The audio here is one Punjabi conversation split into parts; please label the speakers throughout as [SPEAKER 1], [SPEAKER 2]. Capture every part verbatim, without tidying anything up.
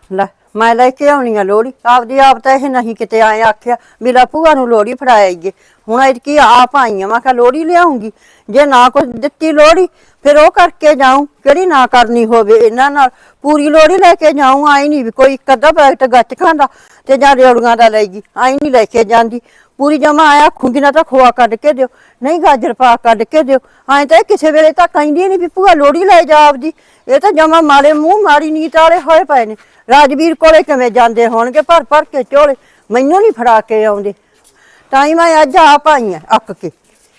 [SPEAKER 1] ਲੈ ਮੈਂ ਲੈ ਕੇ ਆਉਣੀ ਆ ਲੋੜੀ ਆਪਦੀ ਆਪ ਤਾਂ ਇਹ ਨਹੀਂ ਕਿਤੇ ਆਏ ਆਖਿਆ ਵੀ ਲੈ ਭੂਆ ਨੂੰ ਲੋੜੀ ਫੜਾਏਗੀ। ਹੁਣ ਐਤਕੀ ਆਪ ਆਈ ਆ ਮੈਂ ਕਿਹਾ ਲੋੜੀ ਲਿਆਉਂਗੀ। ਜੇ ਨਾ ਕੁਝ ਦਿੱਤੀ ਲੋੜੀ ਫਿਰ ਉਹ ਕਰਕੇ ਜਾਊਂ ਕਿਹੜੀ ਨਾ ਕਰਨੀ ਹੋਵੇ ਇਹਨਾਂ ਨਾਲ। ਪੂਰੀ ਲੋੜੀ ਲੈ ਕੇ ਜਾਊਂ। ਆਈ ਨਹੀਂ ਵੀ ਕੋਈ ਇੱਕ ਅੱਧਾ ਪੈਕਟ ਗੱਚ ਖਾਂਦਾ ਤੇ ਜਾਂ ਰੇੜੀਆਂ ਦਾ ਲੈ ਗਈ। ਆਈ ਨਹੀਂ ਲੈ ਕੇ ਜਾਂਦੀ ਪੂਰੀ ਜਮਾ ਆਇਆ ਆਖੂੰਗੀ ਨਾ ਤਾਂ ਖੋਆ ਕੱਢ ਕੇ ਦਿਓ ਨਹੀਂ ਗਾਜਰ ਪਾ ਕੱਢ ਕੇ ਦਿਓ। ਐਂ ਤਾਂ ਕਿਸੇ ਵੇਲੇ ਤਾਂ ਕਹਿੰਦੀ ਨਹੀਂ ਵੀ ਭੂਆ ਲੋੜੀ ਲੈ ਜਾ ਆਪਦੀ। ਇਹ ਤਾਂ ਜਮਾ ਮਾਰੇ ਮੂੰਹ ਮਾਰੀ ਨੀਤ ਵਾਲੇ ਹੋਏ ਪਏ ਨੇ। ਰਾਜਵੀਰ ਕੋਲੇ ਕਿਵੇਂ ਜਾਂਦੇ ਹੋਣਗੇ ਭਰ ਭਰ ਕੇ ਝੋਲੇ ਮੈਨੂੰ ਨਹੀਂ ਫੜਾ ਕੇ ਆਉਂਦੇ। ਤਾਂ ਹੀ ਮੈਂ ਅੱਜ ਆਪ ਆਈ ਆ ਅੱਕ ਕੇ।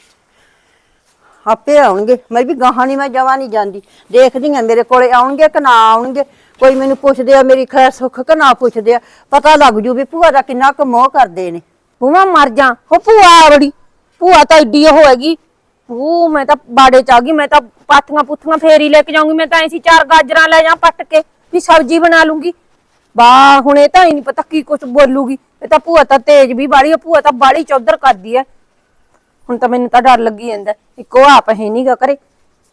[SPEAKER 1] ਆਪੇ ਆਉਣਗੇ ਮੈਂ ਵੀ ਗਾਹਾਂ ਨਹੀਂ ਮੈਂ ਜਵਾ ਨਹੀਂ ਜਾਂਦੀ। ਦੇਖਦੀ ਆ ਮੇਰੇ ਕੋਲੇ ਆਉਣਗੇ ਕਿ ਨਾ ਆਉਣਗੇ। ਕੋਈ ਮੈਨੂੰ ਪੁੱਛਦੇ ਆ ਮੇਰੀ ਖੈਰ ਸੁੱਖ ਕਿ ਨਾ ਪੁੱਛਦੇ ਆ ਪਤਾ ਲੱਗ ਜੂ ਵੀ ਭੂਆ ਦਾ ਕਿੰਨਾ ਕੁ ਮੋਹ ਕਰਦੇ ਨੇ।
[SPEAKER 2] ਭੂਆ ਮਰ ਜਾ ਉਹ ਭੂਆ ਬੜੀ ਭੂਆ ਤਾਂ ਏਡੀ ਉਹ ਹੈਗੀ। ਉਹ ਮੈਂ ਤਾਂ ਬਾੜੇ ਚ ਆ ਗਈ। ਮੈਂ ਤਾਂ ਪਾਥੀਆਂ ਪੁੱਥੀਆਂ ਫੇਰ ਹੀ ਲੈ ਕੇ ਜਾਊਂਗੀ। ਮੈਂ ਤਾਂ ਐਸੀ ਚਾਰ ਗਾਜਰਾਂ ਲੈ ਜਾ ਪੱਟ ਕੇ ਵੀ ਸਬਜ਼ੀ ਬਣਾ ਲੂੰਗੀ। ਵਾਹ ਹੁਣ ਇਹ ਤਾਂ ਹੀ ਨਹੀਂ ਪਤਾ ਕੀ ਕੁਛ ਬੋਲੂਗੀ। ਇਹ ਤਾਂ ਭੂਆ ਤਾਂ ਤੇਜ਼ ਵੀ ਬਾੜੀ। ਭੂਆ ਤਾਂ ਬਾੜੀ ਚੌਧਰ ਕਰਦੀ ਐ। ਹੁਣ ਤਾਂ ਮੈਨੂੰ ਤਾਂ ਡਰ ਲੱਗੀ ਜਾਂਦਾ ਇੱਕੋ ਆਪ ਹੈ ਨੀ ਗਾ ਕਰੇ।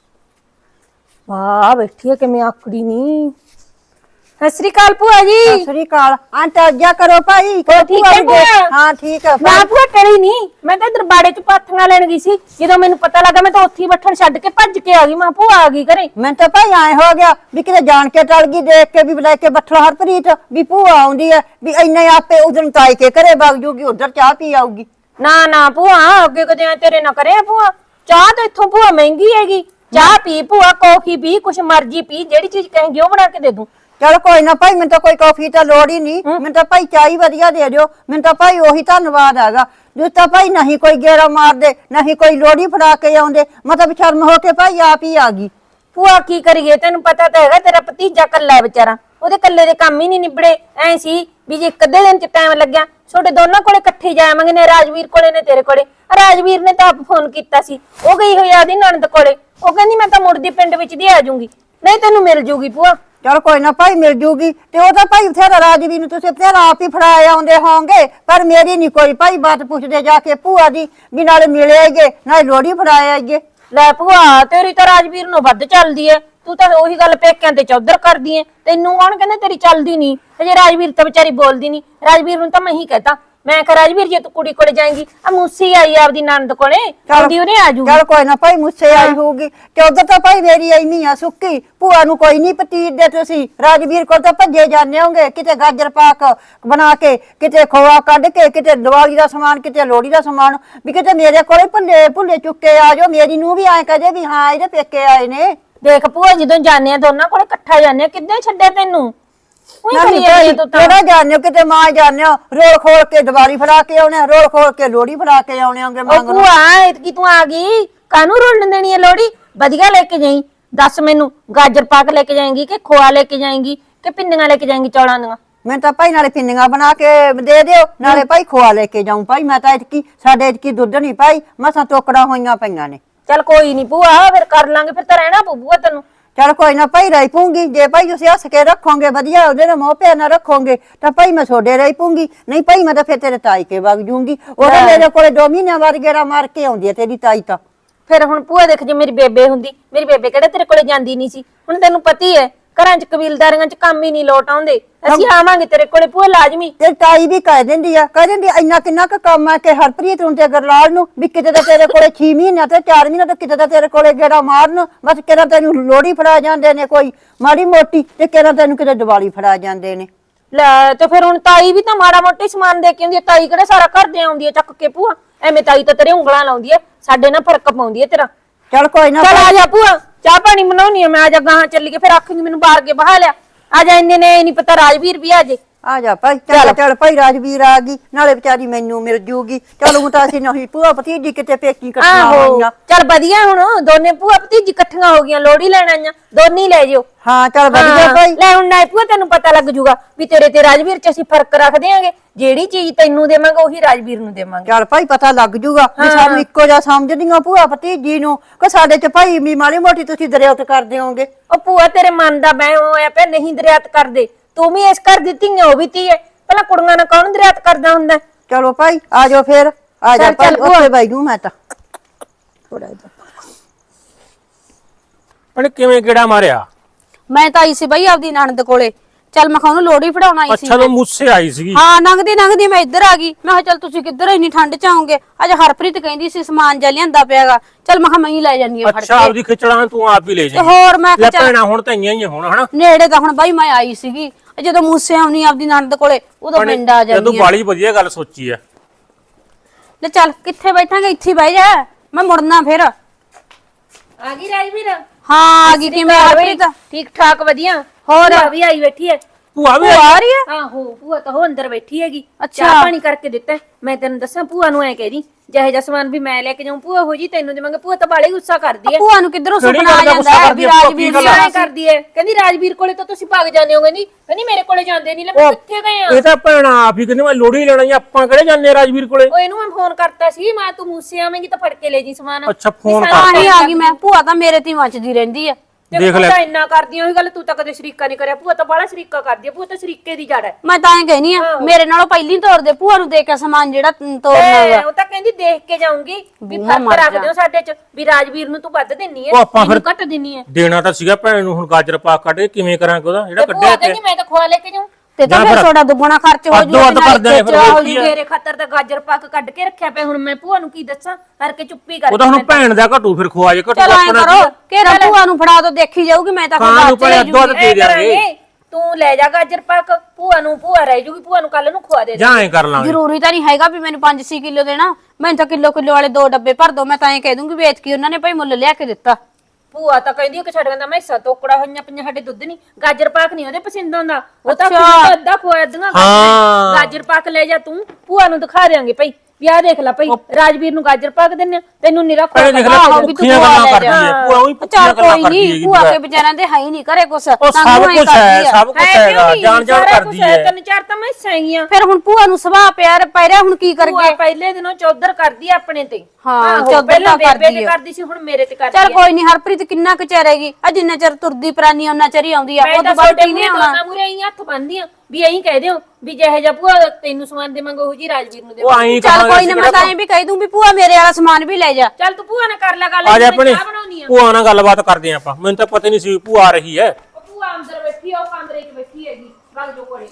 [SPEAKER 2] ਵਾਹ ਬੈਠੀ ਐ ਕਿਵੇਂ ਆਕੜੀ ਨੀ। ਸਤਿ ਸ੍ਰੀ ਅਕਾਲ ਭੂਆ ਜੀ।
[SPEAKER 1] ਸਤਿ ਸ੍ਰੀ ਅਕਾਲ ਆਂਟਾ ਜਾ ਕਰੋ ਭਾਈ।
[SPEAKER 2] ਠੀਕ ਹੈ ਭੂਆ?
[SPEAKER 1] ਹਾਂ ਠੀਕ ਹੈ
[SPEAKER 2] ਨਾ ਭੂਆ ਕਰੀ ਨੀ। ਮੈਂ ਤਾਂ ਇਧਰ ਬਾੜੇ ਚ ਪਾਥੀਆਂ ਲੈਣ ਗਈ ਸੀ। ਜਦੋਂ ਮੈਨੂੰ ਪਤਾ ਲੱਗਾ ਮੈਂ ਤਾਂ ਉੱਥੇ ਬੱਠਣ ਛੱਡ ਕੇ ਭੱਜ ਕੇ ਆ ਗਈ। ਮੈਂ ਭੂਆ ਆ ਗਈ ਘਰੇ।
[SPEAKER 1] ਮੈਂ ਤਾਂ ਭਾਈ ਆਏ ਹੋ ਗਿਆ ਵੀ ਕਿਤੇ ਜਾਣ ਕੇ ਟਲ ਗਈ ਦੇਖ ਕੇ ਵੀ ਲੈ ਕੇ ਬੱਠਲ ਹਰਪ੍ਰੀਤ ਵੀ ਭੂਆ ਆਉਂਦੀ ਹੈ ਵੀ ਇੰਨੇ ਆਪੇ ਉਧਰ ਤਾਈ ਕੇ ਘਰੇ ਵਗ ਜੂਗੀ ਉਧਰ ਚਾਹ ਪੀ ਆਊਗੀ।
[SPEAKER 2] ਨਾ ਨਾ ਭੂਆ ਅੱਗੇ ਕਦੇ ਤੇਰੇ ਨਾ ਕਰਿਆ ਭੂਆ। ਚਾਹ ਤਾਂ ਇੱਥੋਂ ਭੂਆ ਮਹਿੰਗੀ ਹੈਗੀ। ਚਾਹ ਪੀ ਭੂਆ ਕੌਫੀ ਪੀ ਕੁਛ ਮਰਜ਼ੀ ਪੀ ਜਿਹੜੀ ਚੀਜ਼ ਕਹੇਂਗੀ ਉਹ ਬਣਾ ਕੇ ਦੇ ਦੂੰ।
[SPEAKER 1] ਚਲ ਕੋਈ ਨਾ ਭਾਈ ਮੈਨੂੰ ਤਾਂ ਕੋਈ ਕਾਫੀ ਤਾਂ ਲੋੜ ਹੀ ਨਹੀਂ। ਮੈਨੂੰ ਤਾਂ ਭਾਈ ਚਾਹ ਹੀ ਵਧੀਆ ਦੇ ਦਿਓ। ਮੈਨੂੰ ਤਾਂ ਭਾਈ ਉਹੀ ਧੰਨਵਾਦ ਹੈਗਾ। ਜੇ ਤਾਂ ਭਾਈ ਨਹੀਂ ਕੋਈ ਗੇੜਾ ਮਾਰਦੇ ਨਹੀਂ ਕੋਈ ਲੋੜੀ ਫੜਾ ਕੇ ਆਉਂਦੇ ਮਤਲਬ ਸ਼ਰਮ ਹੋ ਕੇ ਭਾਈ ਆਪ ਹੀ ਆ ਗਈ।
[SPEAKER 2] ਭੂਆ ਕੀ ਕਰੀਏ ਤੈਨੂੰ ਪਤਾ ਤਾਂ ਹੈਗਾ ਤੇਰਾ ਭਤੀਜਾ ਕੱਲਾ ਹੈ ਵਿਚਾਰਾ। ਉਹਦੇ ਕੱਲੇ ਦੇ ਕੰਮ ਹੀ ਨਹੀਂ ਨਿਬੜੇ। ਐ ਸੀ ਵੀ ਜੇ ਇੱਕ ਅੱਧੇ ਦਿਨ ਚ ਟਾਈਮ ਲੱਗਿਆ ਛੋਟੇ ਦੋਨਾਂ ਕੋਲੇ ਇਕੱਠੇ ਜਾਵਾਂਗੇ ਨੇ ਰਾਜਵੀਰ ਕੋਲੇ ਨੇ ਤੇਰੇ ਕੋਲੇ। ਰਾਜਵੀਰ ਨੇ ਤਾਂ ਆਪ ਫੋਨ ਕੀਤਾ ਸੀ ਉਹ ਗਈ ਹੋਈ ਆਦੀ ਨਣਦ ਕੋਲੇ। ਉਹ ਕਹਿੰਦੀ ਮੈਂ ਤਾਂ ਮੁੜਦੀ ਪਿੰਡ ਵਿੱਚ ਦੀ ਆ ਜਾਊਂਗੀ ਨਹੀਂ ਤੈਨੂੰ ਮਿਲ ਜੂਗੀ ਭੂਆ।
[SPEAKER 1] ਚਲ ਕੋਈ ਨਾ ਭਾਈ ਮਿਲ ਜੂਗੀ ਤੇ ਉਹ ਤਾਂ ਭਾਈ ਬਥੇਰਾ ਰਾਜਵੀਰ ਨੂੰ ਤੁਸੀਂ ਬਥੇਰਾ ਆਪ ਹੀ ਫੜਾਏ ਆਉਂਦੇ ਹੋਵੋਗੇ ਪਰ ਮੇਰੀ ਨਹੀਂ ਕੋਈ ਭਾਈ ਬਾਤ ਪੁੱਛਦੇ ਜਾ ਕੇ ਭੂਆ ਦੀ ਵੀ ਨਾਲੇ ਮਿਲੇਗੇ ਨਾਲੇ ਲੋੜੀ ਫੜਾਏ ਆਈਏ।
[SPEAKER 2] ਲੈ ਭੂਆ ਤੇਰੀ ਤਾਂ ਰਾਜਵੀਰ ਨੂੰ ਵੱਧ ਚੱਲਦੀ ਐ। ਤੂੰ ਤਾਂ ਉਹੀ ਗੱਲ ਪੇਕਿਆਂ ਤੇ ਚੌਧਰ ਕਰਦੀ ਐ। ਤੈਨੂੰ ਕੌਣ ਕਹਿੰਦਾ ਤੇਰੀ ਚੱਲਦੀ ਨਹੀਂ। ਅਜੇ ਰਾਜਵੀਰ ਤਾਂ ਵਿਚਾਰੀ ਬੋਲਦੀ ਨਹੀਂ। ਰਾਜਵੀਰ ਨੂੰ ਤਾਂ ਮੈਂ ਹੀ ਕਹਤਾ ਮੈਂ ਕਿਹਾ ਰਾਜਵੀਰ ਜੇ ਤੂੰ ਕੁੜੀ ਕੋਲੇ ਜਾਏਂਗੀ ਆ ਮੂਸੀ ਆਈ ਆਪਦੀ ਨਣਦ ਕੋਲੇ ਆਉਂਦੀ ਉਹਨੇ ਆ ਜੂਗੀ।
[SPEAKER 1] ਚਲ ਕੋਈ ਨਾ ਭਾਈ ਮੁੱਸੇ ਆਈ ਹੋਊਗੀ ਤੇ ਉਧਰ ਤਾਂ ਭਾਈ ਮੇਰੀ ਐਨੀ ਆ ਸੁੱਕੀ ਭੂਆ ਨੂੰ ਕੋਈ ਨਹੀਂ ਪਤੀਰ ਦੇ ਤੁਸੀਂ ਰਾਜਵੀਰ ਕੋਲ ਤਾਂ ਭੱਜੇ ਜਾਂਦੇ ਹੋਗੇ ਕਿਤੇ ਗਾਜਰ ਪਾਕ ਬਣਾ ਕੇ ਕਿਤੇ ਖੋਆ ਕੱਢ ਕੇ ਕਿਤੇ ਦੀਵਾਲੀ ਦਾ ਸਮਾਨ ਕਿਤੇ ਲੋੜੀ ਦਾ ਸਮਾਨ ਵੀ ਕਿਤੇ ਮੇਰੇ ਕੋਲੇ ਭੁੱਲੇ ਭੁੱਲੇ ਚੁੱਕੇ ਆ ਜਾਓ। ਮੇਰੀ ਨੂੰ ਵੀ ਐ ਕਹਦੇ ਵੀ ਹਾਂ ਇਹਦੇ ਪੇਕੇ ਆਏ ਨੇ।
[SPEAKER 2] ਦੇਖ ਭੂਆ ਜਦੋਂ ਜਾਂਦੇ ਆ ਦੋਨਾਂ ਕੋਲੇ ਇਕੱਠਾ ਜਾਂਦੇ ਆ ਕਿੱਦਾਂ ਛੱਡਿਆ ਤੈਨੂੰ।
[SPEAKER 1] ਕਿਹੜਾ ਜਾਣਿਓ ਕਿਤੇ ਮਾਂ ਜਾਣਿਓ ਰੋਲ ਖੋਲ ਕੇ ਦੀਵਾਲੀ ਫੜਾ ਕੇ ਆਉਣੇ ਰੋਲ ਖੋਲ ਕੇ ਲੋੜੀ ਫੜਾ ਕੇ ਆਉਣੇ ਆਂਗੇ ਮੰਗ
[SPEAKER 2] ਭੂਆ ਇਤਕੀ ਤੂੰ ਆ ਗਈ ਕਾਹਨੂੰ ਰੋਲਣ ਦੇਣੀ ਹੈ ਲੋੜੀ। ਵਧੀਆ ਲੈ ਕੇ ਜਾਈਂ ਦੱਸ ਮੈਨੂੰ ਗਾਜਰ ਪਾਕ ਲੈ ਕੇ ਜਾਏਂਗੀ ਕਿ ਖੋਆ ਲੈ ਕੇ ਜਾਏਂਗੀ ਕਿ ਪਿੰਨੀਆਂ ਲੈ ਕੇ ਜਾਏਂਗੀ ਚੌਲਾਂ ਦੀਆਂ।
[SPEAKER 1] ਮੈਂ ਤਾਂ ਭਾਈ ਨਾਲੇ ਪਿੰਨੀਆਂ ਬਣਾ ਕੇ ਦੇ ਦਿਓ ਨਾਲੇ ਭਾਈ ਖੋਆ ਲੈ ਕੇ ਜਾਊਂ ਭਾਈ। ਮੈਂ ਤਾਂ ਇਤਕੀ ਸਾਡੇ ਇਤਕੀ ਦੁੱਧ ਨਹੀਂ ਭਾਈ ਮਸਾਂ ਟੋਕੜਾ ਹੋਈਆਂ ਪਈਆਂ ਨੇ।
[SPEAKER 2] ਚੱਲ ਕੋਈ ਨੀ ਭੂਆ ਫਿਰ ਕਰ ਲਾਂਗੇ ਫਿਰ ਤਾਂ ਰਹਿਣਾ ਪਊ ਭੂਆ ਤੈਨੂੰ।
[SPEAKER 1] ਚਲ ਕੋਈ ਨਾ ਭਾਈ ਰਹਿ ਪੂੰਗੀ ਜੇ ਭਾਈ ਤੁਸੀਂ ਹੱਸ ਕੇ ਰੱਖੋਗੇ ਵਧੀਆ ਉਹਦੇ ਨਾਲ ਮੋਹ ਪਿਆਰ ਨਾਲ ਰੱਖੋਗੇ ਤਾਂ ਭਾਈ ਮੈਂ ਛੋਡੇ ਰਹਿ ਪੂੰਗੀ ਨਹੀਂ ਭਾਈ ਮੈਂ ਤਾਂ ਫਿਰ ਤੇਰੇ ਤਾਈ ਕੇ ਵਗ ਜੂੰਗੀ। ਉਹਦਾ ਮੇਰੇ ਕੋਲੇ ਦੋ ਮਹੀਨਿਆਂ ਬਾਅਦ ਗੇੜਾ ਮਾਰ ਕੇ ਆਉਂਦੀ ਹੈ ਤੇਰੀ ਤਾਈ ਤਾਂ।
[SPEAKER 2] ਫਿਰ ਹੁਣ ਭੂਆ ਦੇਖ ਜੇ ਮੇਰੀ ਬੇਬੇ ਹੁੰਦੀ ਮੇਰੀ ਬੇਬੇ ਕਿਹੜਾ ਤੇਰੇ ਕੋਲੇ ਜਾਂਦੀ ਨਹੀਂ ਸੀ। ਹੁਣ ਤੈਨੂੰ ਪਤੀ ਹੈ ਘਰਾਂ ਚ ਕਬੀਲਦਾਰੀਆਂ ਚ ਕੰਮ ਹੀ ਨਹੀਂ ਲੋਟ ਆਉਂਦੇ। ਅਸੀਂ ਆਵਾਂਗੇ ਤੇਰੇ ਕੋਲੇ ਭੂਆ ਲਾਜ਼ਮੀ।
[SPEAKER 1] ਤੇ ਤਾਈ ਵੀ ਕਹਿ ਦਿੰਦੀ ਆ ਕਹਿ ਦਿੰਦੀ ਇੰਨਾ ਕਿੰਨਾ ਕੁ ਕੰਮ ਆ ਕਿ ਹਰਪ੍ਰੀਤ ਨੂੰ ਤੇ ਗਰਲਾਲ ਨੂੰ ਵੀ ਕਿਤੇ ਤਾਂ ਤੇਰੇ ਕੋਲੇ ਛੇ ਮਹੀਨੇ ਤੇ ਚਾਰ ਮਹੀਨੇ ਤੇ ਕਿਤੇ ਤਾਂ ਤੇਰੇ ਕੋਲੇ ਗੇੜਾ ਮਾਰਨ ਬਸ ਕਿਹੜਾ ਤੈਨੂੰ ਲੋੜੀ ਫੜਾ ਜਾਂਦੇ ਨੇ ਕੋਈ ਮਾੜੀ ਮੋਟੀ ਤੇ ਕਿਹੜਾ ਤੈਨੂੰ ਕਿਤੇ ਦੀਵਾਲੀ ਫੜਾ ਜਾਂਦੇ ਨੇ।
[SPEAKER 2] ਲੈ ਤੇ ਫਿਰ ਹੁਣ ਤਾਈ ਵੀ ਤਾਂ ਮਾੜਾ ਮੋਟਾ ਹੀ ਸਮਾਨ ਦੇ ਕੇ ਆਉਂਦੀ ਹੈ। ਤਾਈ ਕਿਹੜਾ ਸਾਰਾ ਘਰ ਦੇ ਆਉਂਦੀ ਹੈ ਚੱਕ ਕੇ ਭੂਆ। ਐਵੇਂ ਤਾਈ ਤਾਂ ਤੇਰੇ ਉਂਗਲਾਂ ਲਾਉਂਦੀ ਹੈ ਸਾਡੇ ਨਾਲ ਫਰਕ ਪਾਉਂਦੀ ਹੈ ਤੇਰਾ।
[SPEAKER 1] ਚਲ ਕੋਈ ਨਾ
[SPEAKER 2] ਚੱਲ ਆ ਜਾ ਭੂਆ ਚਾਹ ਪਾਣੀ ਬਣਾਉਣੀ ਆ ਮੈਂ ਆ ਜਾ ਗਾਹਾਂ ਚੱਲੀਏ ਫਿਰ ਆਖੂਗੀ ਮੈਨੂੰ ਬਾਹਰ ਕੇ ਬਹਾ ਲਿਆ। ਆ ਜਾ ਇੰਨੇ ਨੇ ਨਹੀਂ ਪਤਾ ਰਾਜਵੀਰ ਵੀ ਆ ਜੇ।
[SPEAKER 1] ਆ ਜਾ ਭਾਈ ਚੱਲ ਚੱਲ ਭਾਈ ਰਾਜਵੀਰ ਆ ਗਈ ਨਾਲੇ ਵਿਚਾਰੀ ਮੈਨੂੰ ਮਿਲ ਜੂਗੀ। ਚਲ ਹੁਣ ਤਾਂ ਅਸੀਂ ਨਹੀਂ ਭੂਆ ਭਤੀਜੀ ਕਿਤੇ ਪੇਕੀ ਇਕੱਠੀਆਂ ਹੋਈਆਂ।
[SPEAKER 2] ਚੱਲ ਵਧੀਆ ਹੁਣ ਦੋਨੇ ਭੂਆ ਭਤੀਜੀ ਇਕੱਠੀਆਂ ਹੋ ਗਈਆਂ ਲੋੜੀ ਲੈਣ ਆਈਆਂ ਦੋਨੀ ਲੈ ਜਿਓ।
[SPEAKER 1] ਹਾਂ ਚੱਲ ਵਧੀਆ ਭਾਈ
[SPEAKER 2] ਲੈ ਹੁਣ ਨਾ ਭੂਆ ਤੈਨੂੰ ਪਤਾ ਲੱਗ ਜੂਗਾ ਵੀ ਤੇਰੇ ਤੇ ਰਾਜਵੀਰ ਚ ਅਸੀਂ ਫਰਕ ਰੱਖਦੇ ਆਂਗੇ। ਜਿਹੜੀ ਚੀਜ਼ ਤੈਨੂੰ ਦੇਵਾਂਗੇ ਉਹੀ ਰਾਜਵੀਰ ਨੂੰ ਦੇਵਾਂਗੇ।
[SPEAKER 1] ਚੱਲ ਭਾਈ ਪਤਾ ਲੱਗ ਜੂਗਾ ਵੀ ਸਾਨੂੰ ਇੱਕੋ ਜਿਹਾ ਸਮਝਦੀਆਂ ਭੂਆ ਭਤੀਜੀ ਨੂੰ ਕਿ ਸਾਡੇ ਚ ਭਾਈ ਵੀ ਮਾੜੀ ਮੋਟੀ ਤੁਸੀਂ ਦਰਿਆਤ ਕਰਦੇ ਹੋਗੇ।
[SPEAKER 2] ਉਹ ਭੂਆ ਤੇਰੇ ਮਨ ਦਾ ਬਹਿ ਹੋਇਆ ਪਿਆ ਨਹੀਂ ਦਰਿਆਤ ਕਰਦੇ। ਤੂੰ ਵੀ ਇਸ ਘਰ ਦੀ ਧੀ ਹੈ ਉਹ ਵੀ ਧੀ ਹੈ ਪਹਿਲਾਂ ਕੁੜੀਆਂ ਨਾਲ ਕੌਣ ਦਰਿਆਤ ਕਰਦਾ ਹੁੰਦਾ।
[SPEAKER 1] ਚਲੋ ਭਾਈ ਆ ਜਾਓ ਫਿਰ ਆ ਜਾ ਭਾਈ ਉੱਥੇ ਬੈਠ ਜੂ ਮੈਂ ਤਾਂ ਥੋੜਾ ਜਿਹਾ।
[SPEAKER 3] ਉਹਨੇ ਕਿਵੇਂ ਕਿਹੜਾ ਮਾਰਿਆ?
[SPEAKER 4] ਮੈਂ ਤਾਂ ਆਈ ਸੀ ਬਈ ਆਪਦੀ ਨਣਦ ਕੋਲੇ
[SPEAKER 3] ਚੱਲ ਮੈਂ ਕਿਹਾ ਉਹਨੂੰ ਲੋੜੀ ਫੜਾਉਣ ਆਈ ਸੀ
[SPEAKER 4] ਅੱਛਾ ਤੂੰ ਮੁੱਸੇ ਆਈ ਸੀਗੀ।
[SPEAKER 3] ਹਾਂ ਲੰਘਦੀ ਲੰਘਦੀ ਮੈਂ ਇੱਧਰ ਆ ਗਈ। ਮੈਂ ਕਿਹਾ ਚੱਲ ਤੁਸੀਂ ਕਿੱਧਰ ਇੰਨੀ ਠੰਡ ਚ ਆਉਂਗੇ। ਅੱਜ ਹਰਪ੍ਰੀਤ ਕਹਿੰਦੀ ਸੀ ਸਮਾਨ ਜਿਹਾ ਲਿਆਂਦਾ ਪਿਆਗਾ। ਚੱਲ ਮੈਂ ਕਿਹਾ ਮੈਂ ਹੀ ਲੈ ਜਾਂਦੀ ਆ ਫੜ
[SPEAKER 4] ਅੱਛਾ
[SPEAKER 3] ਕੇ।
[SPEAKER 4] ਆਪਦੀ ਖਿਚੜਾ ਤੂੰ ਆਪ ਹੀ ਲੈ
[SPEAKER 3] ਤੇ
[SPEAKER 4] ਜਾ।
[SPEAKER 3] ਹੋਰ ਮੈਂ
[SPEAKER 4] ਲੈ
[SPEAKER 3] ਕਿਹਾ ਚੱਲ
[SPEAKER 4] ਭੈਣਾ ਹੁਣ ਤਾਂ ਆਈਆਂ ਹੀ ਆ ਹੁਣ ਹਨਾ।
[SPEAKER 3] ਨੇੜੇ ਤਾਂ ਹੁਣ ਬਾਈ ਮੈਂ ਆਈ ਸੀਗੀ। ਜਦੋਂ ਮੂਸੇ ਆਉਣੀ ਆਪਦੀ ਨੰਦ ਕੋਲੇ ਉਦੋਂ ਪਿੰਡ ਆ
[SPEAKER 4] ਤੂੰ
[SPEAKER 3] ਜਾਂਦੀ ਆ।
[SPEAKER 4] ਬਾਲੀ ਵਧੀਆ ਗੱਲ ਸੋਚੀ ਆ।
[SPEAKER 3] ਲੈ ਚੱਲ ਕਿੱਥੇ ਬੈਠਾਂਗੇ, ਇੱਥੇ ਬਹਿ ਜਾ, ਮੈਂ ਮੁੜਨਾ ਫਿਰ।
[SPEAKER 2] ਆ ਗਈ ਰਾਜਵੀਰ?
[SPEAKER 3] ਹਾਂ ਆ ਗਈ। ਕਿਵੇਂ ਹਰਪ੍ਰੀਤ?
[SPEAKER 2] ਠੀਕ ਠਾਕ ਵਧੀਆ।
[SPEAKER 3] ਹੋਰ?
[SPEAKER 2] ਭੂਆ ਵੀ ਆਈ ਬੈਠੀ ਹੈ।
[SPEAKER 4] ਭੂਆ ਵੀ
[SPEAKER 3] ਭੂਆ ਆ ਰਹੀ ਹੈ?
[SPEAKER 2] ਆਹੋ ਭੂਆ ਤਾਂ ਉਹ ਅੰਦਰ ਬੈਠੀ ਹੈਗੀ।
[SPEAKER 3] ਅੱਛਾ।
[SPEAKER 2] ਚਾਹ ਪਾਣੀ ਕਰਕੇ ਦਿੱਤਾ ਹੈ। ਮੈਂ ਤੈਨੂੰ ਦੱਸਾਂ ਭੂਆ ਨੂੰ ਐ ਕਹਿਦੀ ਜਿਹੇ ਜਿਹਾ ਸਮਾਨ ਵੀ ਮੈਂ ਲੈ ਕੇ ਜਾਉਂ ਭੂਆ ਹੋ ਜੀ ਤੈਨੂੰ ਦੇਵਾਂਗੇ। ਭੂਆ ਤਾਂ ਬਾਲੇ ਗੁੱਸਾ ਕਰਦੀ ਹੈ।
[SPEAKER 3] ਭੂਆ ਨੂੰ ਕਿੱਧਰੋਂ
[SPEAKER 4] ਕਿਹੜੀ
[SPEAKER 3] ਸੁਪਨਾ ਆ
[SPEAKER 4] ਗੱਲ ਦਾ
[SPEAKER 3] ਜਾਂਦਾ
[SPEAKER 4] ਗੁੱਸਾ
[SPEAKER 3] ਹੈ
[SPEAKER 4] ਕਰਦੀ
[SPEAKER 3] ਵੀ
[SPEAKER 4] ਹੈ?
[SPEAKER 3] ਰਾਜਵੀਰ
[SPEAKER 4] ਭੂਆ
[SPEAKER 3] ਦੀ
[SPEAKER 2] ਐ ਕਰਦੀ ਹੈ ਕਹਿੰਦੀ ਰਾਜਵੀਰ ਕੋਲੇ ਤਾਂ ਤੁਸੀਂ ਭੱਗ ਜਾਂਦੇ ਹੋਗੇ। ਨਹੀਂ ਕਹਿੰਦੀ ਮੇਰੇ ਕੋਲੇ ਜਾਂਦੇ ਨਹੀਂ। ਲੈ ਮੈਂ ਕਿੱਥੇ ਗਏ ਆ?
[SPEAKER 4] ਇਹ ਤਾਂ ਭੈਣਾ ਆਪ ਹੀ ਕਹਿੰਦੇ ਮੈਂ ਲੋੜੀ ਲੈਣਾ ਜੀ ਆਪਾਂ ਕਿਹੜੇ ਜਾਂਦੇ ਰਾਜਵੀਰ ਕੋਲੇ।
[SPEAKER 2] ਉਹ ਇਹਨੂੰ ਮੈਂ ਫੋਨ ਕਰਤਾ ਸੀ ਮੈਂ ਤੂੰ ਮੂਸੇ ਆਵੇਂਗੀ ਤਾਂ ਫੜ ਕੇ ਲੈ ਜੀ ਸਮਾਨ।
[SPEAKER 4] ਅੱਛਾ ਫੋਨ
[SPEAKER 2] ਵੀ
[SPEAKER 4] ਕਰ
[SPEAKER 3] ਤਾਂ ਹੀ ਆ ਗਈ ਮੈਂ। ਭੂਆ ਤਾਂ ਮੇਰੇ ਤੇ ਹੀ ਮੱਚਦੀ ਰਹਿੰਦੀ ਆ।
[SPEAKER 2] ਤੇ
[SPEAKER 4] ਦੇਖ
[SPEAKER 2] ਭੂਆ
[SPEAKER 4] ਲੈ।
[SPEAKER 2] ਤਾਂ ਇੰਨਾ ਕਰਦੀ ਉਹੀ ਗੱਲ ਤੂੰ ਤਾਂ ਕਦੇ ਸ਼ਰੀਕਾ ਨਹੀਂ ਕਰਿਆ। ਭੂਆ ਤਾਂ ਬਾਲਾ ਸ਼ਰੀਕਾ ਕਰਦੀ ਹੈ। ਭੂਆ ਤਾਂ ਸ਼ਰੀਕੇ ਦੀ ਜੜ ਹੈ।
[SPEAKER 3] ਮੈਂ ਤਾਂ ਐ ਕਹਿਨੀ ਆ ਮੇਰੇ ਨਾਲੋਂ ਪਹਿਲੀ ਤੋਰ ਦੇ ਭੂਆ ਨੂੰ ਦੇ ਕੇ ਸਮਾਨ ਜਿਹੜਾ ਤੋਰਨਾ
[SPEAKER 2] ਤੇ
[SPEAKER 3] ਹੋਗਾ।
[SPEAKER 2] ਉਹ ਤਾਂ ਕਹਿੰਦੀ ਦੇਖ ਕੇ ਜਾਊਂਗੀ ਵੀ
[SPEAKER 3] ਬੂਹਾ
[SPEAKER 2] ਫਰਕ
[SPEAKER 3] ਮਰ
[SPEAKER 2] ਰੱਖ
[SPEAKER 3] ਜਾ।
[SPEAKER 2] ਦਿਓ ਸਾਡੇ ਚ ਵੀ ਰਾਜਵੀਰ ਨੂੰ ਤੂੰ ਵੱਧ ਦਿੰਨੀ ਹੈ
[SPEAKER 4] ਉਹ ਆਪਾਂ
[SPEAKER 2] ਮੈਨੂੰ
[SPEAKER 4] ਫਿਰ
[SPEAKER 2] ਘੱਟ ਦਿੰਨੀ ਹੈ।
[SPEAKER 4] ਦੇਣਾ ਤਾਂ ਸੀਗਾ ਭੈਣ ਨੂੰ। ਹੁਣ ਗਾਜਰ ਪਾ ਕੱਢ ਕੇ ਕਿਵੇਂ ਕਰਾਂਗੇ ਉਹਦਾ ਜਿਹੜਾ
[SPEAKER 2] ਤੇ ਭੂਆ
[SPEAKER 4] ਕੱਢਿਆ
[SPEAKER 2] ਕਹਿੰਦੀ ਮੈਂ ਤਾਂ ਖਵਾ ਲੈ ਕੇ ਜਾਊਂ।
[SPEAKER 3] ਤੇ ਤਾਂ
[SPEAKER 4] ਜਾਂ
[SPEAKER 3] ਫਿਰ
[SPEAKER 4] ਫਿਰ
[SPEAKER 3] ਤੁਹਾਡਾ ਦੁੱਗਣਾ ਖਰਚ ਹੋ
[SPEAKER 4] ਅੱਧੋ ਅੱਧ ਕਰ ਦਿਆਂਗੇ ਫਿਰ ਹੋਰ ਕੀ ਆ।
[SPEAKER 2] ਮੇਰੇ ਖਾਤਰ ਤਾਂ ਗਾਜਰ ਪਾਕ ਕੱਢ ਕੇ ਰੱਖਿਆ ਪਿਆ। ਹੁਣ ਮੈਂ ਭੂਆ ਨੂੰ ਕੀ ਦੱਸਾਂ ਕਰਕੇ ਚੁੱਪੀ ਕਰ।
[SPEAKER 4] ਉਹ ਤਾਂ ਹੁਣ ਭੈਣ ਦਾ ਘਟੂ ਫਿਰ ਖਵਾ ਜੇ ਘਟੂ
[SPEAKER 3] ਚਲ ਐ
[SPEAKER 4] ਆਪਣਾ
[SPEAKER 3] ਕਰੋ
[SPEAKER 4] ਕੀ
[SPEAKER 3] ਕਿਹੜਾ ਭੂਆ ਨੂੰ ਫੜਾ ਦੋ ਦੇਖੀ ਜਾਊਗੀ। ਮੈਂ ਤਾਂ ਫਿਰ
[SPEAKER 4] ਖਾਣ
[SPEAKER 3] ਬਾਅਦ
[SPEAKER 4] ਨੂੰ
[SPEAKER 3] ਚ
[SPEAKER 4] ਭਾਵੇਂ
[SPEAKER 3] ਲੈ
[SPEAKER 4] ਅੱਧੋ ਅੱਧ
[SPEAKER 3] ਜੂਗੀ।
[SPEAKER 4] ਦੇ
[SPEAKER 2] ਐ
[SPEAKER 4] ਦਿਆਂਗੇ।
[SPEAKER 2] ਕਰਾਂਗੇ ਤੂੰ ਲੈ ਜਾ ਗਾਜਰ ਪਾਕ ਭੂਆ ਨੂੰ ਭੂਆ ਰਹਿ ਜੂਗੀ। ਭੂਆ ਨੂੰ ਕੱਲ ਨੂੰ ਖਵਾ ਦੇ ਦੇ।
[SPEAKER 4] ਜਾਂ ਐ ਕਰ ਲਾਂਗੇ।
[SPEAKER 3] ਜ਼ਰੂਰੀ ਤਾਂ ਨਹੀਂ ਹੈਗਾ ਵੀ ਮੈਨੂੰ ਪੰਜ ਛੇ ਕਿਲੋ ਦੇਣਾ। ਮੈਨੂੰ ਤਾਂ ਕਿਲੋ ਕਿਲੋ ਵਾਲੇ ਦੋ ਡੱਬੇ ਭਰ ਦੋ। ਮੈਂ ਤਾਂ ਐਂ ਕਹਿ ਦੂੰਗੀ ਵੇਚ ਕੇ ਉਹਨਾਂ ਨੇ ਭਾਈ ਮੁੱਲ ਲਿਆ ਕੇ ਦਿੱਤਾ।
[SPEAKER 2] ਭੂਆ ਤਾਂ ਕਹਿੰਦੀ ਕਿ ਛੱਡ ਕਹਿੰਦਾ ਮੈਂ ਹਿੱਸਾ ਤੋਕੜਾ ਹੋਈਆਂ ਪਈਆਂ ਸਾਡੇ ਦੁੱਧ ਨਹੀਂ। ਗਾਜਰ ਪਾਕ ਨਹੀਂ ਉਹਦੇ ਪਸੰਦ ਆਉਂਦਾ। ਉਹ ਤਾਂ
[SPEAKER 3] ਅੱਛਾ।
[SPEAKER 2] ਭੂਆ ਅੱਧਾ ਖਵਾ ਦਿੰਗਾ।
[SPEAKER 4] ਹਾਂ।
[SPEAKER 2] ਗਾਜਰ ਪਾਕ ਲੈ ਜਾ ਤੂੰ ਭੂਆ ਨੂੰ ਦਿਖਾ ਦੇਾਂਗੇ ਭਾਈ ਵੀ ਆਹ ਦੇਖ ਲੈ ਭਾਈ ਰਾਜਵੀਰ ਨੂੰ ਗਾਜਰ ਪਾਕ ਦਿੰਨੇ ਆ, ਤੈਨੂੰ ਨਿਰਾ ਖਵਾ
[SPEAKER 4] ਭੈਣੇ ਦੇਖ ਲੈ
[SPEAKER 3] ਆਹੋ, ਵੀ ਤੂੰ
[SPEAKER 4] ਭੁੱਖੀਆਂ
[SPEAKER 3] ਖਵਾ
[SPEAKER 4] ਗੱਲਾਂ
[SPEAKER 3] ਲੈ
[SPEAKER 4] ਕਰਦੀ
[SPEAKER 3] ਜਾ।
[SPEAKER 4] ਹੈ। ਭੂਆ ਉਹੀ
[SPEAKER 3] ਚੱਲ
[SPEAKER 4] ਭੁੱਖੀਆਂ ਗੱਲਾਂ
[SPEAKER 3] ਕੋਈ
[SPEAKER 4] ਕਰਦੀ
[SPEAKER 3] ਨਹੀਂ
[SPEAKER 4] ਹੈਗੀ।
[SPEAKER 3] ਭੂਆ ਕੇ ਵਿਚਾਰਿਆਂ ਦੇ ਹੈ ਹੀ ਨਹੀਂ ਘਰੇ ਕੁਛ।
[SPEAKER 4] ਉਹ ਸਭ ਕੁਝ ਹੈ ਸਭ ਕੁਝ ਹੈਗਾ ਜਾਣ ਜਾਣ ਕਰਦੀ ਹੈ।
[SPEAKER 2] ਤਿੰਨ ਚਾਰ ਤਾਂ ਮੈਂ ਸਹੀਆਂ
[SPEAKER 3] ਫਿਰ ਹੁਣ ਭੂਆ ਨੂੰ ਸੁਭਾਅ ਪਿਆਰ ਪੈ ਰਿਹਾ ਹੁਣ ਕੀ
[SPEAKER 2] ਭੂਆ
[SPEAKER 3] ਕਰਗੇ।
[SPEAKER 2] ਪਹਿਲੇ ਦਿਨੋਂ ਚੌਧਰ ਕਰਦੀ ਆ ਆਪਣੇ ਤੇ।
[SPEAKER 3] ਹਾਂ,
[SPEAKER 2] ਆਹੋ,
[SPEAKER 3] ਚੌਧਰ
[SPEAKER 2] ਪਹਿਲਾਂ
[SPEAKER 3] ਤਾਂ
[SPEAKER 2] ਬੇਬੇ
[SPEAKER 3] ਕਰਦੀ
[SPEAKER 2] ਤੇ
[SPEAKER 3] ਆ।
[SPEAKER 2] ਕਰਦੀ ਸੀ ਹੁਣ ਮੇਰੇ ਤੇ ਕਰਦੀ
[SPEAKER 3] ਚੱਲ ਕੋਈ ਨਹੀਂ ਹਰਪ੍ਰੀਤ ਕਿੰਨਾ ਕੁ ਚਿਰ ਹੈਗੀ ਆ। ਜਿੰਨਾ ਚਿਰ ਤੁਰਦੀ ਪ੍ਰਾਨੀ ਉਹਨਾਂ ਚਿਰ ਹੀ ਆਉਂਦੀ ਆ।
[SPEAKER 2] ਮੈਂ
[SPEAKER 3] ਉਹ
[SPEAKER 2] ਤਾਂ
[SPEAKER 3] ਤੋਂ ਬਾਅਦ
[SPEAKER 2] ਤੁਹਾਡੇ
[SPEAKER 3] ਕੀ ਨਹੀਂ
[SPEAKER 2] ਮੂਹਰੇ
[SPEAKER 3] ਆਉਣਾ।
[SPEAKER 2] ਦੋਨਾਂ ਮੂਹਰੇ ਹੀ ਹੱਥ ਬੰਨ੍ਹਦੀ ਆ ਵੀ ਐਂ ਕਹਿ ਦਿਓ ਵੀ ਜਿਹੇ ਜਿਹਾ ਭੂਆ ਤੈਨੂੰ ਸਮਾਨ ਦੇਵਾਂਗੇ ਉਹ ਜੀ ਰਾਜਵੀਰ ਨੂੰ
[SPEAKER 4] ਉਹ
[SPEAKER 2] ਦੇਵਾਂਗੇ।
[SPEAKER 4] ਐਂ
[SPEAKER 3] ਚੱਲ ਕੋਈ ਨਾ ਮੈਂ ਤਾਂ ਐਂ ਵੀ ਕਹਿ ਦੂੰ ਵੀ ਭੂਆ ਮੇਰੇ ਵਾਲਾ ਸਮਾਨ ਵੀ ਲੈ ਜਾ।
[SPEAKER 2] ਚੱਲ ਤੂੰ ਭੂਆ ਨਾਲ ਕਰ ਲੈ ਗੱਲ।
[SPEAKER 4] ਆ ਜਾ
[SPEAKER 2] ਮੈਂ
[SPEAKER 4] ਭੈਣੇ
[SPEAKER 2] ਚਾਹ ਬਣਾਉਣੀ ਆ।
[SPEAKER 4] ਭੂਆ ਨਾਲ ਗੱਲਬਾਤ ਕਰਦੇ ਆਪਾਂ। ਮੈਨੂੰ ਤਾਂ ਪਤਾ ਨਹੀਂ ਸੀ ਵੀ ਭੂਆ ਆ ਰਹੀ ਹੈ।
[SPEAKER 2] ਉਹ ਭੂਆ ਅੰਦਰ ਬੈਠੀ ਆ ਉਹ ਕਮਰੇ 'ਚ ਬੈਠੀ ਹੈਗੀ ਵਗ ਜੋ ਕੋਲੇ।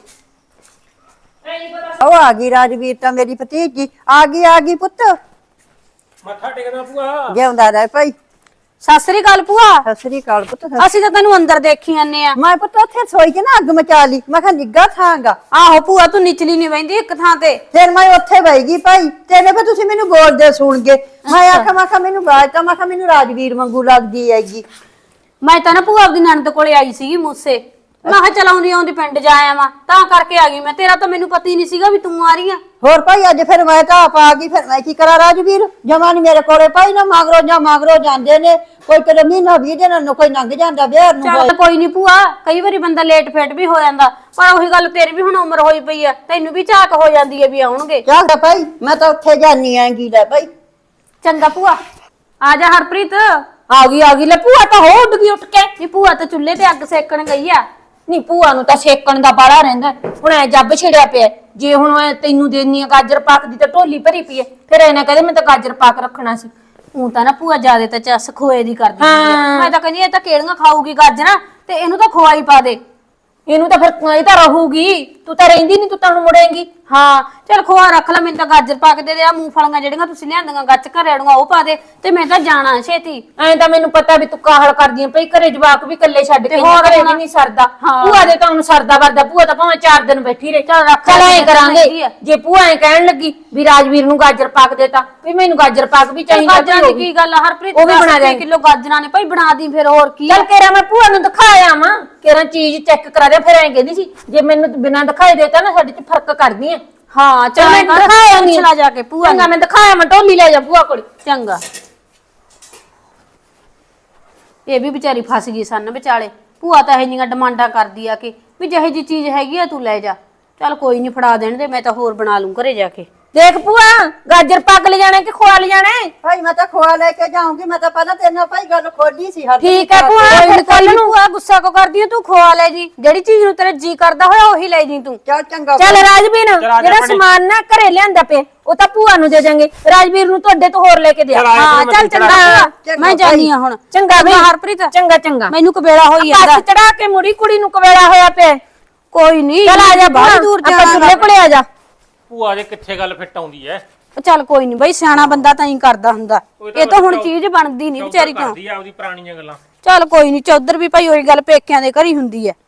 [SPEAKER 2] ਐਂ ਨਹੀਂ ਪਤਾ
[SPEAKER 1] ਉਹ ਆ ਗਈ ਰਾਜਵੀਰ ਤਾਂ ਮੇਰੀ ਭਤੀਜੀ ਆ ਗਈ ਆ ਗਈ ਪੁੱਤ।
[SPEAKER 4] ਮੱਥਾ ਟੇਕਦਾ ਭੂਆ।
[SPEAKER 1] ਜਿਉਂਦਾ ਰਹਿ ਭਾਈ।
[SPEAKER 3] ਸਤਿ ਸ੍ਰੀ ਅਕਾਲ ਭੂਆ।
[SPEAKER 1] ਸਤਿ ਸ੍ਰੀ ਅਕਾਲ ਪੁੱਤ। ਸਤਿ-
[SPEAKER 3] ਅਸੀਂ ਤਾਂ ਤੈਨੂੰ ਅੰਦਰ ਦੇਖੀ ਜਾਂਦੇ ਆ।
[SPEAKER 1] ਮੈਂ ਪੁੱਤ ਉੱਥੇ ਸੋਈ ਚ ਨਾ ਅੱਗ ਮਚਾ ਲਈ। ਮੈਂ ਕਿਹਾ ਨਿੱਗਾ ਥਾਂਗਾ।
[SPEAKER 3] ਆਹੋ ਭੂਆ ਤੂੰ ਨਿਚਲੀ ਨਹੀਂ ਬੈਂਦੀ ਇੱਕ ਥਾਂ ਤੇ।
[SPEAKER 1] ਫਿਰ ਮੈਂ ਉੱਥੇ ਬਹਿ ਗਈ ਭਾਈ। ਤੇਰੇ ਕੋ ਤੁਸੀਂ ਮੈਨੂੰ ਬੋਲਦੇ ਸੁਣ ਗਏ। ਮੈਂ ਆਖਿਆ ਮੈਂ ਕਿਹਾ ਮੈਨੂੰ ਬਾਜ ਤਾਂ ਮੈਂ ਕਿਹਾ ਮੈਨੂੰ ਰਾਜਵੀਰ ਵਾਂਗੂ ਲੱਗਦੀ ਹੈਗੀ।
[SPEAKER 3] ਮੈਂ ਤਾਂ ਨਾ ਭੂਆ ਆਪਦੀ ਨਣਦ ਕੋਲੇ ਆਈ ਸੀਗੀ ਮੂਸੇ। ਮੈਂ ਕਿਹਾ ਚਲ ਆਉਂਦੀ ਆਉਂਦੀ ਪਿੰਡ ਜਾ ਆਵਾਂ ਤਾਂ ਕਰਕੇ ਆ ਗਈ ਮੈਂ। ਤੇਰਾ ਤਾਂ ਮੈਨੂੰ ਪਤਾ ਹੀ ਨਹੀਂ ਸੀਗਾ ਵੀ ਤੂੰ ਆ ਰਹੀ ਆ।
[SPEAKER 1] ਹੋਰ ਭਾਈ ਅੱਜ ਫਿਰ ਮੈਂ ਤਾਂ ਆਪ ਆ ਗਈ। ਫਿਰ ਮੈਂ ਕੀ ਕਰਾਂ ਰਾਜਵੀਰ ਜਮਾ ਨੀ ਮੇਰੇ ਕੋਲੇ ਭਾਈ ਨਾ ਮਗਰੋਂ ਜਾਂ ਮਗਰੋਂ ਜਾਂਦੇ ਨੇ। ਕੋਈ ਕਦੇ ਮਹੀਨਾ ਵੀਹ ਦਿਨ ਨੂੰ ਕੋਈ ਲੰਘ ਜਾਂਦਾ ਵਿਆਹ ਨੂੰ।
[SPEAKER 3] ਚੱਲ ਕੋਈ ਨਹੀਂ ਭੂਆ ਕਈ ਵਾਰੀ ਬੰਦਾ ਲੇਟ ਫੇਟ ਵੀ ਹੋ ਜਾਂਦਾ। ਪਰ ਉਹੀ ਗੱਲ ਤੇਰੀ ਵੀ ਹੁਣ ਉਮਰ ਹੋਈ ਪਈ ਆ। ਤੈਨੂੰ ਵੀ ਝਾਕ ਹੋ ਜਾਂਦੀ ਹੈ ਵੀ ਆਉਣਗੇ।
[SPEAKER 1] ਚੱਲ ਭਾਈ ਮੈਂ ਤਾਂ ਉੱਥੇ ਜਾਨੀ ਆਂਗੀ ਲੈ ਭਾਈ।
[SPEAKER 3] ਚੰਗਾ ਭੂਆ ਆ ਜਾ ਹਰਪ੍ਰੀਤ।
[SPEAKER 2] ਆ ਗਈ ਆ ਗਈ। ਲੈ ਭੂਆ ਤਾਂ ਹੋ ਉੱਡ ਗਈ ਉੱਠ ਕੇ।
[SPEAKER 3] ਨੀ ਭੂਆ ਤਾਂ ਚੁੱਲ੍ਹੇ ਤੇ ਅੱਗ ਸੇਕਣ ਗਈ ਆ।
[SPEAKER 2] ਨਹੀਂ ਭੂਆ ਨੂੰ ਤਾਂ ਸੇਕਣ ਦਾ ਬਾੜਾ ਰਹਿੰਦਾ। ਹੁਣ ਐ ਜੱਬ ਛਿੜਿਆ ਪਿਆ ਜੇ ਹੁਣ ਐਂ ਤੈਨੂੰ ਦੇਣੀ ਆ ਗਾਜਰ ਪਾਕ ਦੀ ਤਾਂ ਢੋਲੀ ਭਰੀ ਪਈ ਐ। ਫਿਰ ਐ ਨਾ ਕਹਦੇ ਮੈਂ ਤਾਂ ਗਾਜਰ ਪਾਕ ਰੱਖਣਾ ਸੀ।
[SPEAKER 3] ਉਹ ਤਾਂ ਨਾ ਭੂਆ ਜਿਆਦੇ ਤਾਂ ਚਸ ਖੋਏ ਦੀ ਕਰਦੀ ਹੁੰਦੀ ਆ।
[SPEAKER 2] ਹਾਂ।
[SPEAKER 3] ਮੈਂ ਤਾਂ ਕਹਿੰਦੀ ਇਹ ਤਾਂ ਕਿਹੜੀਆਂ ਖਾਊਗੀ ਗਾਜਰਾਂ ਤੇ ਇਹਨੂੰ ਤਾਂ ਖਵਾਈ ਪਾ ਦੇ।
[SPEAKER 2] ਇਹਨੂੰ ਤਾਂ ਫਿਰ ਇਹ ਤਾਂ ਰਹੂਗੀ। ਤੂੰ ਤਾਂ ਰਹਿੰਦੀ ਨਹੀਂ ਤੂੰ ਤਾਂ ਹੁਣ ਮੁੜੇਂਗੀ।
[SPEAKER 3] ਹਾਂ ਚੱਲ ਖਵਾ ਰੱਖ ਲੈ। ਮੈਨੂੰ ਤਾਂ ਗਾਜਰ ਪਾ ਕੇ ਦੇ ਦੇ। ਆ ਮੂੰਗਫਲੀਆਂ ਜਿਹੜੀਆਂ ਤੁਸੀਂ ਲਿਆਂਦੀਆਂ ਗੱਚ ਘਰੇੜੀਆਂ ਉਹ ਪਾ ਦੇ ਤੇ ਮੈਂ ਤਾਂ ਜਾਣਾ ਛੇਤੀ।
[SPEAKER 2] ਐਂ ਤਾਂ ਮੈਨੂੰ ਪਤਾ ਵੀ ਤੂੰ ਕਾਹਲ ਕਰਦੀ ਆਂ ਭਈ ਘਰੇ ਜਵਾਕ ਵੀ ਇਕੱਲੇ ਛੱਡ ਕੇ
[SPEAKER 3] ਹੋਰ
[SPEAKER 2] ਘਰੇ
[SPEAKER 3] ਹੁਣ।
[SPEAKER 2] ਵੀ ਨਹੀਂ ਸਰਦਾ।
[SPEAKER 3] ਹਾਂ।
[SPEAKER 2] ਭੂਆ ਦੇ ਤਾਂ ਹੁਣ ਸਰਦਾ ਵਰਦਾ। ਭੂਆ ਤਾਂ ਭਾਵੇਂ ਚਾਰ ਦਿਨ ਬੈਠੀ ਰਹੇ।
[SPEAKER 3] ਚੱਲ ਰੱਖ
[SPEAKER 2] ਚੱਲ
[SPEAKER 3] ਲੈ
[SPEAKER 2] ਐਂ
[SPEAKER 3] ਜਿੱਦਾਂ
[SPEAKER 2] ਕਰਾਂਗੇ
[SPEAKER 3] ਹੈਗੀ ਆ।
[SPEAKER 2] ਜੇ ਭੂਆ ਐਂ ਕਹਿਣ ਲੱਗੀ ਵੀ ਰਾਜਵੀਰ ਨੂੰ ਗਾਜਰ ਪਾਕ ਦੇਤਾ ਵੀ ਮੈਨੂੰ ਗਾਜਰ ਪਾਕ ਵੀ
[SPEAKER 3] ਚੱਲ
[SPEAKER 2] ਚਾਹੀਦਾ।
[SPEAKER 3] ਗਾਜਰਾਂ ਦੀ ਕੀ ਗੱਲ ਆ ਹਰਪ੍ਰੀਤ।
[SPEAKER 2] ਉਹ ਵੀ ਬਣਾ ਦੇ
[SPEAKER 3] ਕਿਲੋ ਗਾਜਰਾਂ ਨੇ ਭਾਈ ਬਣਾ ਦੀ ਫਿਰ ਹੋਰ ਕੀ ਆ।
[SPEAKER 2] ਚੱਲ ਕੇਰਾ ਮੈਂ ਭੂਆ ਨੂੰ ਦਿਖਾਇਆ ਵਾਂ ਕੇਰਾ ਚੀਜ਼ ਚੈੱਕ ਕਰਾ ਦੇ। ਫਿਰ ਐਂ ਕਹਿੰਦੀ ਸੀ ਜੇ ਮੈਨੂੰ ਬਿਨਾਂ ਦਿਖਾਈ ਦੇਤਾ ਨਾ ਸਾਡੇ ਚ ਫਰਕ ਕਰਦੀ ਐ।
[SPEAKER 3] ਹਾਂ
[SPEAKER 2] ਚੱਲ
[SPEAKER 3] ਚੱਲ
[SPEAKER 2] ਮੈਂ ਦਿਖਾਇਆ ਨਹੀਂ।
[SPEAKER 3] ਚਲਾ ਜਾ ਕੇ ਭੂਆ
[SPEAKER 2] ਚੰਗਾ
[SPEAKER 3] ਨੂੰ।
[SPEAKER 2] ਮੈਂ ਦਿਖਾਇਆ ਮੈਂ ਢੋਲੀ ਲੈ ਜਾ ਭੂਆ ਕੋਲ।
[SPEAKER 3] ਚੰਗਾ ਇਹ ਵੀ ਵਿਚਾਰੀ ਫਸ ਗਈ ਸੰਨ ਵਿਚਾਲੇ। ਭੂਆ ਤਾਂ ਇਹ ਜਿਹੀਆਂ ਡਿਮਾਂਡਾਂ ਕਰਦੀ ਆ ਕਿ ਵੀ ਜਿਹੇ ਜੀ ਚੀਜ਼ ਹੈਗੀ ਆ ਤੂੰ ਲੈ ਜਾ। ਚੱਲ ਕੋਈ ਨਹੀਂ ਫੜਾ ਦੇਣ ਦੇ। ਮੈਂ ਤਾਂ ਹੋਰ ਬਣਾ ਲੂੰ ਘਰੇ ਜਾ ਕੇ।
[SPEAKER 2] ਦੇਖ ਭੂਆ ਗਾਜਰ ਪਾਕ ਲੈ ਜਾਣਾ ਕਿ ਖੋਆ ਲੈ ਜਾਣਾ ਹੈ?
[SPEAKER 1] ਭਾਈ ਮੈਂ ਤਾਂ ਖੋਆ ਲੈ ਕੇ ਜਾਊਂਗੀ। ਮੈਂ ਤਾਂ ਪਹਿਲਾਂ ਤੇਰੇ ਨਾਲ ਭਾਈ ਗੱਲ ਖੋਲੀ ਸੀ। ਹਰ
[SPEAKER 2] ਠੀਕ ਹੈ ਭੂਆ
[SPEAKER 3] ਕੋਈ
[SPEAKER 2] ਫਿਰ
[SPEAKER 3] ਨੀ,
[SPEAKER 2] ਕੱਲ ਨੂੰ।
[SPEAKER 3] ਭੂਆ ਗੁੱਸਾ ਕੋ ਕਰਦੀ ਆ ਤੂੰ ਖਵਾ ਲੈ ਜੀ। ਜਿਹੜੀ ਚੀਜ਼ ਨੂੰ ਤੇਰਾ ਜੀ ਕਰਦਾ ਹੋਇਆ ਉਹੀ ਲੈ ਜੀ ਤੂੰ।
[SPEAKER 1] ਚੱਲ ਚੰਗਾ
[SPEAKER 2] ਚੱਲ ਰਾਜਵੀਰ
[SPEAKER 4] ਚੱਲ ਆ ਜਾ
[SPEAKER 2] ਜਿਹੜਾ
[SPEAKER 4] ਭੈਣੇ।
[SPEAKER 2] ਸਮਾਨ ਨਾ ਘਰੇ ਲਿਆਂਦਾ ਪਿਆ ਉਹ ਤਾਂ ਭੂਆ ਨੂੰ ਦੇ ਜਾਾਂਗੇ। ਰਾਜਵੀਰ ਨੂੰ ਤੁਹਾਡੇ ਤੋਂ ਹੋਰ ਲੈ ਕੇ ਦਿਆ।
[SPEAKER 4] ਚੱਲ ਆ ਜਾ
[SPEAKER 3] ਹਾਂ
[SPEAKER 4] ਭੈਣੇ,
[SPEAKER 3] ਚੱਲ
[SPEAKER 4] ਮੈਂ
[SPEAKER 3] ਚੰਗਾ
[SPEAKER 4] ਚੜਾ-
[SPEAKER 1] ਚੰਗਾ
[SPEAKER 3] ਮੈਂ ਜਾਨੀ ਆ ਹੁਣ।
[SPEAKER 2] ਚੰਗਾ ਬਈ
[SPEAKER 3] ਹਰਪ੍ਰੀਤ
[SPEAKER 2] ਚੰਗਾ ਚੰਗਾ।
[SPEAKER 3] ਮੈਨੂੰ ਕਬੇੜਾ ਹੋਈ ਜਾਂਦਾ।
[SPEAKER 2] ਬੱਸ ਚੜਾ ਕੇ ਮੁੜੀ ਕੁੜੀ ਨੂੰ ਕਵੇਲਾ ਹੋਇਆ ਪਿਆ।
[SPEAKER 3] ਕੋਈ ਨਹੀਂ
[SPEAKER 2] ਚੱਲ ਆ ਜਾ
[SPEAKER 3] ਬਾਹਲੀ ਦੂਰ
[SPEAKER 2] ਆਪਾਂ
[SPEAKER 3] ਜਾਣਾ
[SPEAKER 2] ਚੁੱਲ੍ਹੇ ਕੋਲੇ ਆ ਜਾ
[SPEAKER 4] ਭੂਆ ਦੇ ਕਿੱਥੇ ਗੱਲ ਫਿੱਟ ਆਉਂਦੀ ਐ
[SPEAKER 3] ਚੱਲ ਕੋਈ ਨਹੀਂ ਬਈ ਸਿਆਣਾ ਬੰਦਾ ਤਾਂ ਹੀ ਕਰਦਾ ਹੁੰਦਾ
[SPEAKER 4] ਉਹ ਤਾਂ
[SPEAKER 3] ਇਹ ਤਾਂ ਹੁਣ
[SPEAKER 4] ਚੌ-
[SPEAKER 3] ਚੀਜ਼ ਬਣਦੀ ਨਹੀਂ ਵਿਚਾਰੀ ਤੋਂ
[SPEAKER 4] ਕਰਦੀ ਆ ਉਹਦੀ ਪੁਰਾਣੀਆਂ ਗੱਲਾਂ
[SPEAKER 3] ਚੱਲ ਕੋਈ ਨਹੀਂ ਚੌਧਰ ਵੀ ਭਾਈ ਉਹੀ ਗੱਲ ਪੇਕਿਆਂ ਦੇ ਘਰ ਹੀ ਹੁੰਦੀ ਹੈ